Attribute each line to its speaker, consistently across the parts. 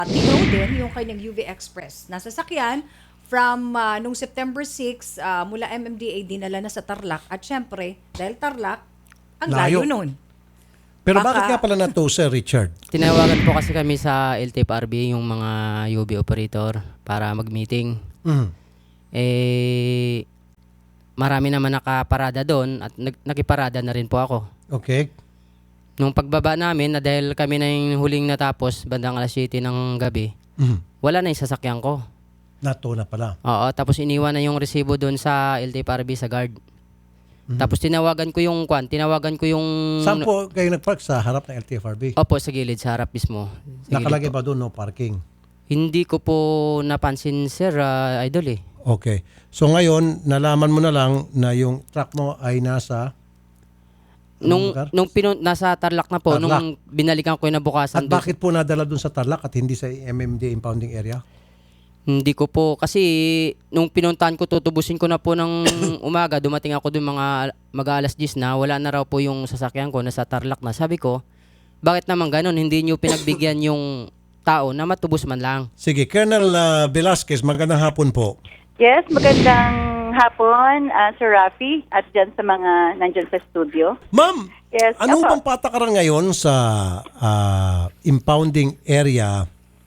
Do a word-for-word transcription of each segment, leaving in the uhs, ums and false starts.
Speaker 1: Tinaw din yung kanyang U V Express na sasakyan from uh, nung September six uh, mula M M D A dinala na sa Tarlac at syempre dahil Tarlac ang layo
Speaker 2: Layo.
Speaker 1: nun.
Speaker 2: Pero
Speaker 1: Baka-
Speaker 2: bakit nga pala na to, Sir Richard?
Speaker 3: Tinawagan po kasi kami sa L T F R B yung mga U V operator para mag-meeting.
Speaker 2: Mhm.
Speaker 3: Eh, marami naman nakaparada doon at nag- nakiparada na rin po ako.
Speaker 2: Okay.
Speaker 3: Nung pagbaba namin, na dahil kami na yung huling natapos, bandang alas siyete ng gabi,
Speaker 2: Mhm.
Speaker 3: wala na yung sasakyan ko.
Speaker 2: Nato na pala.
Speaker 3: Oo, tapos iniwan na yung resibo doon sa L T F R B sa guard. Tapos tinawagan ko yung kwan, tinawagan ko yung...
Speaker 2: Saan po kayo nagpark? Sa harap ng L T F R B?
Speaker 3: Opo, sa gilid, sa harap mismo. Sa gilid
Speaker 2: Nakalagay
Speaker 3: po.
Speaker 2: ba doon no parking?
Speaker 3: Hindi ko po napansin, sir, ah, idol eh.
Speaker 2: Okay. So ngayon, nalaman mo na lang na yung truck mo ay nasa...
Speaker 3: Nung,
Speaker 2: lugar?
Speaker 3: nung pinun, nasa Tarlac na po,
Speaker 2: Tarlac.
Speaker 3: nung binalikan ko yung nabukasan
Speaker 2: At
Speaker 3: doon.
Speaker 2: bakit po nadala doon sa Tarlac at hindi sa M M D impounding area?
Speaker 3: Hindi ko po, kasi nung pinuntahan ko, tutubusin ko na po ng umaga, dumating ako doon mga mag-alas diyes na, wala na raw po yung sasakyan ko, nasa Tarlac na. Sabi ko, bakit naman ganun? Hindi nyo pinagbigyan yung tao na matubos man lang.
Speaker 2: Sige, Colonel uh, Velasquez, magandang hapon po.
Speaker 4: Yes, magandang hapon, uh, Sir Rafi, at dyan sa mga nandyan sa studio.
Speaker 2: Ma'am,
Speaker 4: Yes,
Speaker 2: ano
Speaker 4: opo.
Speaker 2: bang patakaran ngayon sa ah, impounding area?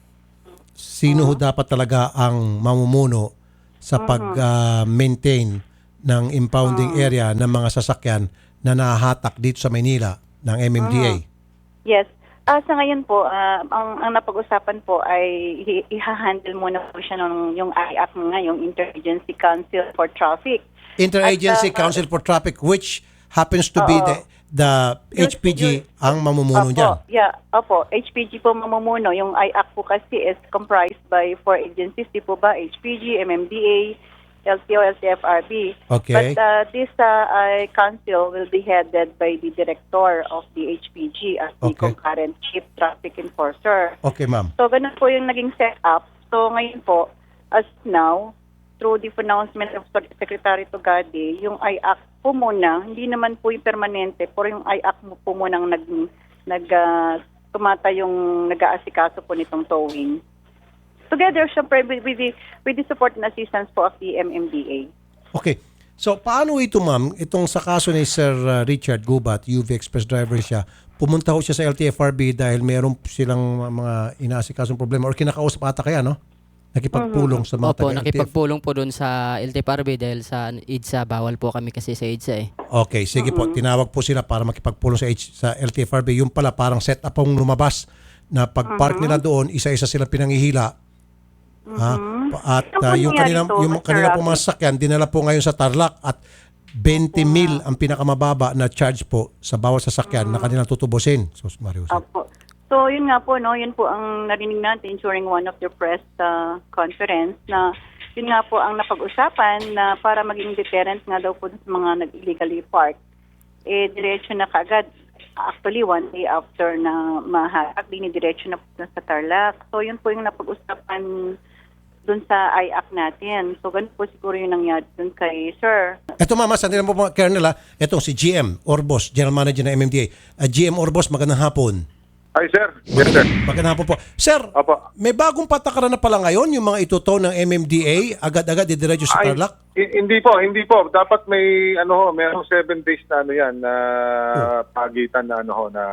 Speaker 2: Sino ho dapat talaga ang mamumuno sa pag-maintain ng impounding area ng mga sasakyan na nahahatak dito sa Maynila ng M M D A?
Speaker 4: Yes. Ah, sa ngayon po, ah, ang, ang napag-usapan po ay i- iha-handle muna po siya ng yung I A C nga, yung Interagency Council for Traffic.
Speaker 2: Interagency
Speaker 4: At, ah,
Speaker 2: Council for Traffic, which happens to be
Speaker 4: Oo.
Speaker 2: the, the H P G ang mamumuno
Speaker 4: Opo,
Speaker 2: dyan.
Speaker 4: yeah, opo. H P G po mamumuno. Yung I A C po kasi is comprised by four agencies, di po ba? H P G, M M D A, L T O, L T F R B.
Speaker 2: Okay.
Speaker 4: But uh, this uh, uh, council will be headed by the director of the H P G as the
Speaker 2: Okay.
Speaker 4: concurrent chief traffic enforcer.
Speaker 2: Okay, ma'am.
Speaker 4: So, ganun po yung naging setup. So, ngayon po, as now, through the pronouncement of Secretary Tugade, yung I A C po muna, hindi naman po yung permanente, pero yung I A C mo po muna nag, nag, uh, tumata yung nag-aasikaso po nitong towing. Together, syempre, with, with, the, with the support and assistance po of the M M D A.
Speaker 2: Okay. So, paano ito, ma'am? Itong sa kaso ni Sir uh, Richard Gubat, U V Express driver siya, pumunta ho siya sa L T F R B dahil meron silang mga inaasikasong problema or kinakausap ata kaya, no? Nakipagpulong sa mga
Speaker 3: Opo,
Speaker 2: taga-L T F.
Speaker 3: nakipagpulong po doon sa L T F R B dahil sa EDSA, bawal po kami kasi sa EDSA eh.
Speaker 2: Okay, sige po. Tinawag po sila para makipagpulong sa, H, sa L T F R B. Yung pala, parang set up ang lumabas na pag-park nila doon, isa-isa silang pinangihila. Ha? At
Speaker 4: Ano
Speaker 2: uh,
Speaker 4: po
Speaker 2: yung
Speaker 4: nangyari
Speaker 2: kanila,
Speaker 4: to,
Speaker 2: yung
Speaker 4: Mister
Speaker 2: kanila po
Speaker 4: Rafi?
Speaker 2: mga sasakyan, dinala po ngayon sa Tarlac at twenty mil ang pinakamababa na charge po sa bawat sasakyan na kanilang tutubusin. So, Mario.
Speaker 4: Opo. So, yun nga po, no, yun po ang narinig natin during one of the press uh, conference na yun nga po ang napag-usapan na para maging deterrent nga daw po sa mga nag-illegally park, eh, diretso na kagad. Actually, one day after na mahatak, dinidiretso na po sa Tarlac. So, yun po yung napag-usapan dun sa I A C natin. So, ganun po siguro yung nangyari dun kay Sir.
Speaker 2: Ito mama, sandali lang po mga Colonel ha. Itong si G M Orbos, General Manager ng M M D A. Uh, G M Orbos, magandang hapon.
Speaker 5: Hi, sir. Yes, sir.
Speaker 2: Magandang hapon po. Sir,
Speaker 5: Opo.
Speaker 2: may bagong patakaran na pala ngayon yung mga ituto ng M M D A, agad-agad didiretso sa
Speaker 5: Ay,
Speaker 2: Tarlac?
Speaker 5: hi- hindi po, hindi po. Dapat may, ano ho, merong seven days na ano yan, na pagitan na ano ho, na,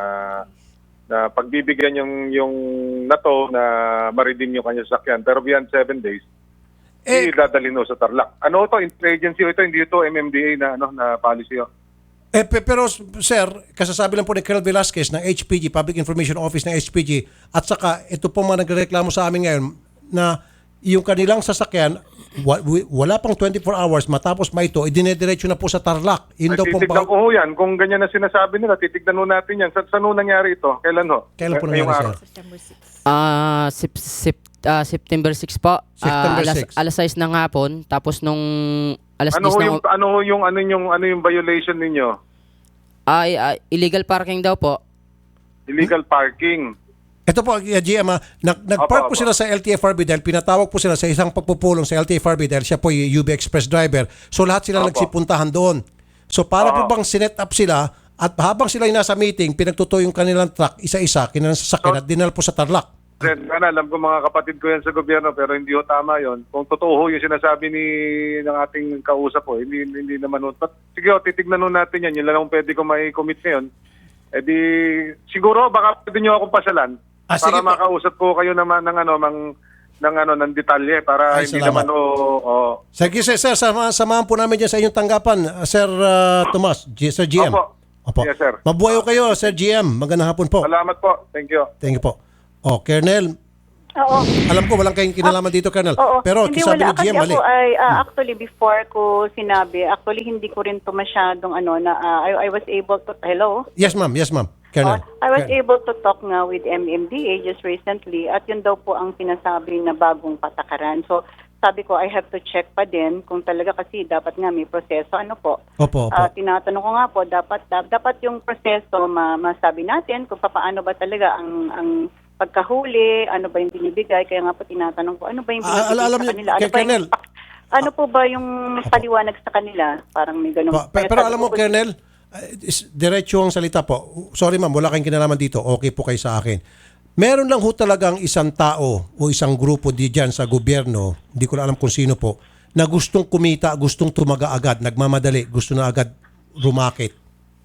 Speaker 5: na pagbibigyan yung, yung nato na ma-redeem yung kanyang sakyan. Pero beyond seven days,
Speaker 2: Eh,
Speaker 5: eh, dadalhin ho sa Tarlac. Ano to, interagency ito, hindi ito M M D A na, ano, na policy ho.
Speaker 2: Eh, pe- pero sir, kasasabi lang po ni Colonel Velasquez ng H P G, Public Information Office ng H P G, at saka ito po mga nagreklamo sa amin ngayon na yung kanilang sasakyan, wa- wi- wala pang twenty-four hours matapos ma ito, idinediretso na po sa Tarlac. Yun
Speaker 5: Ay,
Speaker 2: daw pong
Speaker 5: titignan
Speaker 2: ba-
Speaker 5: ko ho yan. Kung ganyan na sinasabi nila, titignan ho natin yan. Sa, saan ho nangyari ito? Kailan ho?
Speaker 2: Kailan po
Speaker 5: Ngayong
Speaker 2: nangyari,
Speaker 5: araw?
Speaker 2: sir?
Speaker 1: September six.
Speaker 3: Ah, sep, sep, ah, September six po. Ah,
Speaker 2: September
Speaker 3: alas,
Speaker 2: six.
Speaker 3: alas sais ng hapon, tapos nung alas
Speaker 5: Ano
Speaker 3: diyes
Speaker 5: ho
Speaker 3: ng...
Speaker 5: yung, ano ho yung, ano yung, ano yung violation ninyo?
Speaker 3: Ay, ay, illegal parking daw po.
Speaker 5: Illegal parking.
Speaker 2: Ito po, uh, G M, ah, nag, nag-park
Speaker 5: Opo,
Speaker 2: po
Speaker 5: opo.
Speaker 2: sila sa L T F R B dahil pinatawag po sila sa isang pagpupulong sa L T F R B dahil siya po yung U V Express driver. So lahat sila
Speaker 5: Opo.
Speaker 2: nagsipuntahan doon. So para po
Speaker 5: Oo.
Speaker 2: bang sinet up sila at habang sila ay nasa meeting, pinagtuto yung kanilang truck isa-isa, kanilang sasakyan at dinala po sa Tarlac.
Speaker 5: Sen, ano, alam ko mga kapatid ko yan sa gobyerno pero hindi ho tama yon. Kung totoo ho yung sinasabi ni ng ating kausap po, hindi hindi naman ho. But, sige ho, titignan ho natin yan. Yun lang ang pwede ko may commit ngayon. Eh di, siguro baka pwede nyo akong pasalan
Speaker 2: Ah, sige
Speaker 5: para
Speaker 2: po.
Speaker 5: makausap ko kayo naman ng ano, mang, ng ano, ng detalye para
Speaker 2: Ay,
Speaker 5: hindi
Speaker 2: salamat.
Speaker 5: naman ho, oh,
Speaker 2: Sige, sir, sir sama, samahan po namin dyan sa inyong tanggapan, uh, Sir uh, Tomas, G- Sir G M.
Speaker 5: Opo. Yes, sir.
Speaker 2: Mabuhay ko kayo, Sir G M. Magandang hapon po.
Speaker 5: salamat po. Thank you.
Speaker 2: Thank you po. Oh, Colonel,
Speaker 4: Oo.
Speaker 2: alam ko walang kayong kinalaman dito, Colonel.
Speaker 4: Oo.
Speaker 2: Pero
Speaker 4: Hindi,
Speaker 2: sabi ni
Speaker 4: wala.
Speaker 2: G M,
Speaker 4: Kasi
Speaker 2: mali.
Speaker 4: ako ay, ah, actually, before ko sinabi, actually, hindi ko rin to masyadong, ano, na, ah, I, I was able to, hello?
Speaker 2: Yes, ma'am. Yes, ma'am. Colonel.
Speaker 4: Oh, I was
Speaker 2: Colonel.
Speaker 4: able to talk nga with M M D A just recently at yun daw po ang sinasabi na bagong patakaran. So, sabi ko, I have to check pa din kung talaga kasi dapat nga may proseso. Ano po?
Speaker 2: Opo, opo.
Speaker 4: Ah, tinatanong ko nga po, dapat da- dapat yung proseso ma- masabi natin kung paano ba talaga ang ang pagkahuli, ano ba yung binibigay. Kaya nga po tinatanong ko, ano ba yung
Speaker 2: Ah,
Speaker 4: binibigay
Speaker 2: alam
Speaker 4: sa
Speaker 2: niyo,
Speaker 4: kanila? Ano,
Speaker 2: Kay
Speaker 4: ba yung,
Speaker 2: Colonel.
Speaker 4: ano po ba yung paliwanag sa kanila? Parang may ganun.
Speaker 2: Pa- pe-
Speaker 4: Kaya
Speaker 2: pero
Speaker 4: sabi
Speaker 2: alam
Speaker 4: ko
Speaker 2: mo,
Speaker 4: po,
Speaker 2: Colonel, uh, is- diretso ang salita po. Sorry ma'am, wala kayong kinalaman dito. Okay po kayo sa akin. Meron lang ho talagang isang tao o isang grupo di dyan sa gobyerno, hindi ko na alam kung sino po, na gustong kumita, gustong tumaga agad, nagmamadali, gusto na agad rumakit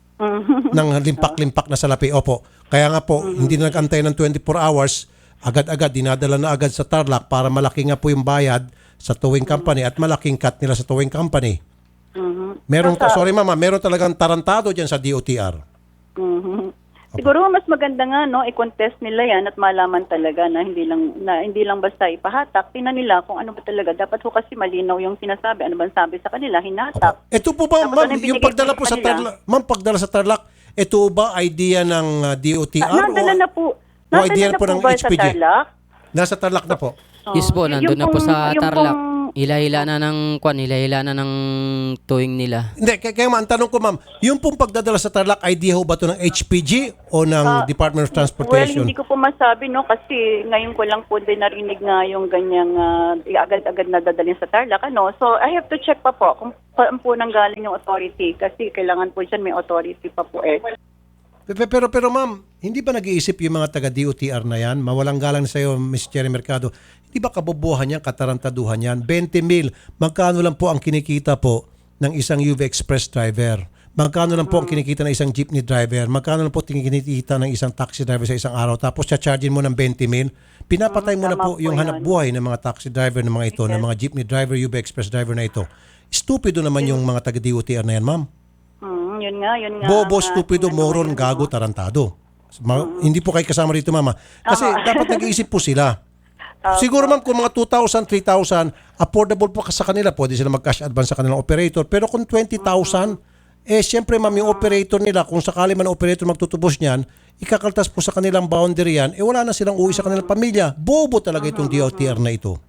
Speaker 2: ng limpak-limpak na salapi. Opo. Kaya nga po, hindi na nag-antay ng twenty-four hours, agad-agad, dinadala na agad sa Tarlac para malaki nga po yung bayad sa towing company at malaking cut nila sa towing company. Meron, sorry mama, meron talagang tarantado dyan sa D O T R.
Speaker 4: Mhm. Siguro mas maganda nga no i-contest nila yan at malaman talaga na hindi lang na hindi lang basta ipahatak, tingnan nila kung ano ba talaga dapat ho kasi malinaw yung sinasabi, ano bang sabi sa kanila, hinatak.
Speaker 2: Ito po ba,
Speaker 4: Tapos
Speaker 2: ma'am,
Speaker 4: ano yung
Speaker 2: yung
Speaker 4: binigay
Speaker 2: pagdala
Speaker 4: sa
Speaker 2: po sa
Speaker 4: kanila?
Speaker 2: Tarlac, ma'am, pagdala sa Tarlac, ito ba idea ng uh, D O T R?
Speaker 4: Na, nadala
Speaker 2: o
Speaker 4: na po.
Speaker 2: o idea
Speaker 4: Nadala na
Speaker 2: po
Speaker 4: po
Speaker 2: ng
Speaker 4: ba
Speaker 2: H
Speaker 4: sa
Speaker 2: P G?
Speaker 4: Tarlac?
Speaker 2: Nasa Tarlac na po.
Speaker 3: Yes po,
Speaker 4: Yung
Speaker 3: nandun na po
Speaker 4: pong-
Speaker 3: sa
Speaker 4: yung
Speaker 3: Tarlac.
Speaker 4: pong-
Speaker 3: Hila-hila na ng kwan, hila-hila na ng towing nila.
Speaker 2: Hindi, kaya, kaya ma'am, ang tanong ko ma'am, yung pong pagdadala sa Tarlac, idea ho ba ito ng H P G o ng Department of
Speaker 4: Well,
Speaker 2: Transportation?
Speaker 4: hindi ko po masabi no kasi ngayon ko lang po din narinig nga yung ganyang ah, agad-agad na dadalhin sa Tarlac ano. So I have to check pa po kung saan po nanggaling yung authority kasi kailangan po dyan may authority pa po eh.
Speaker 2: Pero, pero, pero ma'am, hindi ba nag-iisip yung mga taga-D O T R na yan? Mawalang galang sa iyo, Miss Cherry Mercado. Hindi ba kabobohan yan, katarantaduhan yan? twenty mil, magkano lang po ang kinikita po ng isang U V Express driver? Magkano lang po ang kinikita ng isang jeepney driver? Magkano lang po kinikita ng isang taxi driver sa isang araw? Tapos cha-chargein mo ng twenty mil? Pinapatay mo na
Speaker 4: tama
Speaker 2: po
Speaker 4: po
Speaker 2: yung
Speaker 4: yun.
Speaker 2: hanap buhay ng mga taxi driver ng mga ito, ng mga jeepney driver, U V Express driver na ito. Stupido naman yung mga taga-D O T R na yan, ma'am.
Speaker 4: Mm, yun nga, yun nga.
Speaker 2: Bobo,
Speaker 4: ang, ah,
Speaker 2: stupido,
Speaker 4: ano
Speaker 2: moron,
Speaker 4: ngayon,
Speaker 2: gago, tarantado. Ma- Hindi po kayo kasama rito, mama. Kasi dapat nag-iisip po sila. Siguro, ma'am, kung mga two thousand, three thousand, affordable po sa kanila. Pwede sila mag-cash advance sa kanilang operator. Pero kung twenty thousand, eh, siyempre, ma'am, yung operator nila, kung sakali man ang operator magtutubos niyan, ikakaltas po sa kanilang boundary yan, eh, wala na silang uwi sa kanilang pamilya. Bobo talaga itong D O T R na ito.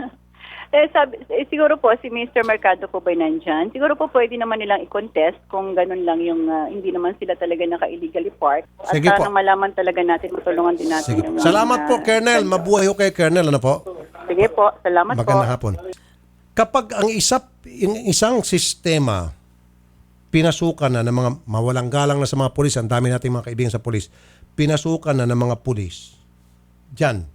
Speaker 4: Eh, sabi, eh, siguro po si Mister Mercado po ba nandyan? Siguro po pwede naman nilang i-contest kung ganun lang yung ah, hindi naman sila talaga naka-illegally parked. At
Speaker 2: Sige po.
Speaker 4: parang malaman talaga natin, matulungan din natin
Speaker 2: Sige.
Speaker 4: yung...
Speaker 2: Salamat po,
Speaker 4: ah,
Speaker 2: Colonel. Mabuhay ho kayo, Colonel. Ano po?
Speaker 4: Sige po, salamat
Speaker 2: Magandang
Speaker 4: po.
Speaker 2: hapon. Kapag ang isa, yung isang sistema pinasukan na ng mga mawalang galang na sa mga pulis, ang dami nating mga kaibigan sa pulis, pinasukan na ng mga pulis, dyan,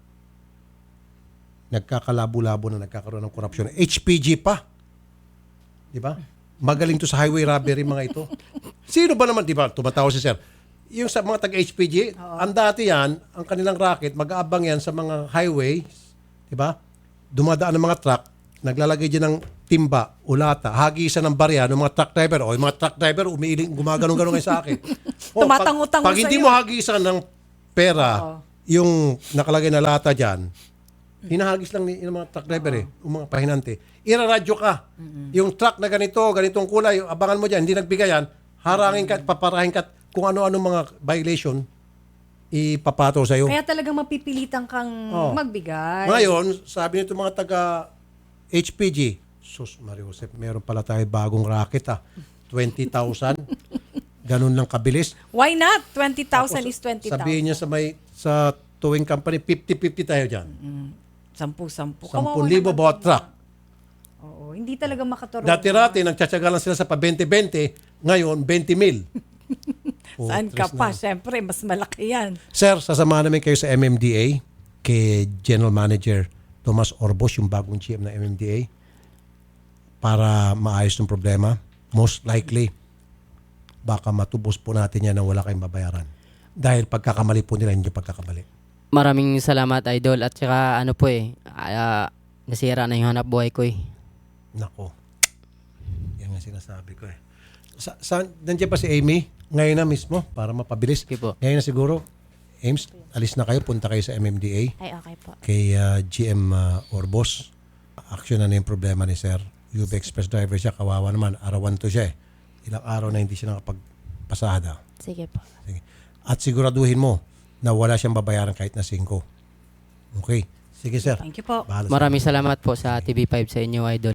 Speaker 2: nagkakalabo-labo na nagkakaroon ng korupsyon. H P G pa. Di ba? Magaling to sa highway robbery mga ito. Sino ba naman, di ba, tumatawa si sir, yung sa mga taga-H P G, ang dati yan, ang kanilang racket, mag-aabang yan sa mga highways, di ba? Dumadaan ng mga truck, naglalagay dyan ng timba, ulata, hagisan ng barya ng mga truck driver. O, yung mga truck driver, umiiling, gumaganong-ganong ngayon sa akin. O,
Speaker 1: Tumatang-utang
Speaker 2: pag, pag hindi
Speaker 1: sa'yo.
Speaker 2: mo hagisan ng pera, yung nakalagay na lata dyan, hinahagis lang ni yung mga truck driver eh, yung mga pahinante. Iraradyo ka. Yung truck na ganito, ganitong kulay, abangan mo dyan, hindi nagbigay yan, harangin ka, paparahin ka, kung ano-ano mga violation, ipapato sa'yo.
Speaker 1: Kaya talagang mapipilitan kang
Speaker 2: Oh.
Speaker 1: magbigay.
Speaker 2: Ngayon, sabi nito mga taga H P G, sus, Mario Josep, meron pala tayo bagong racket ah. twenty thousand. Ganun lang kabilis.
Speaker 1: Why not? twenty thousand is twenty thousand.
Speaker 2: Sabihin niya sa may sa towing company, fifty-fifty tayo dyan.
Speaker 1: Sampu-sampu.
Speaker 2: ten libo bawat truck.
Speaker 1: Oo, hindi talaga makaturo.
Speaker 2: Dati-rati, nagtsatsaga lang sila sa pa twenty-twenty, ngayon twenty mil. Oh,
Speaker 1: Saan ka
Speaker 2: tres
Speaker 1: pa?
Speaker 2: na.
Speaker 1: Siyempre, mas malaki yan.
Speaker 2: Sir, sasamahan namin kayo sa M M D A kay General Manager Tomas Orbos, yung bagong G M ng M M D A, para maayos ng problema. Most likely, baka matubos po natin yan na wala kayong babayaran. Dahil pagkakamali po nila, hindi pagkakamali.
Speaker 3: Maraming salamat, Idol. At saka ano po eh, ah, nasira na yung hanap buhay ko eh.
Speaker 2: Nako. Yan ang sinasabi ko eh. Sa, sa, nandiyan pa si Amy, ngayon na mismo, para mapabilis.
Speaker 3: Okay po.
Speaker 2: Ngayon na siguro, Ames, alis na kayo, punta kayo sa M M D A.
Speaker 6: Ay, okay po.
Speaker 2: Kay uh, G M uh, Orbos. Action na na yung problema ni Sir. U V Express driver siya, kawawa naman. Arawan to siya eh. Ilang araw na hindi siya nakapagpasada.
Speaker 6: Sige po.
Speaker 2: Sige. At siguraduhin mo na wala siyang babayaran kahit na singko. Okay. Sige, sir.
Speaker 1: Thank you po.
Speaker 2: Bahala sa-
Speaker 3: Maraming salamat po sa T V five sa inyo, Idol.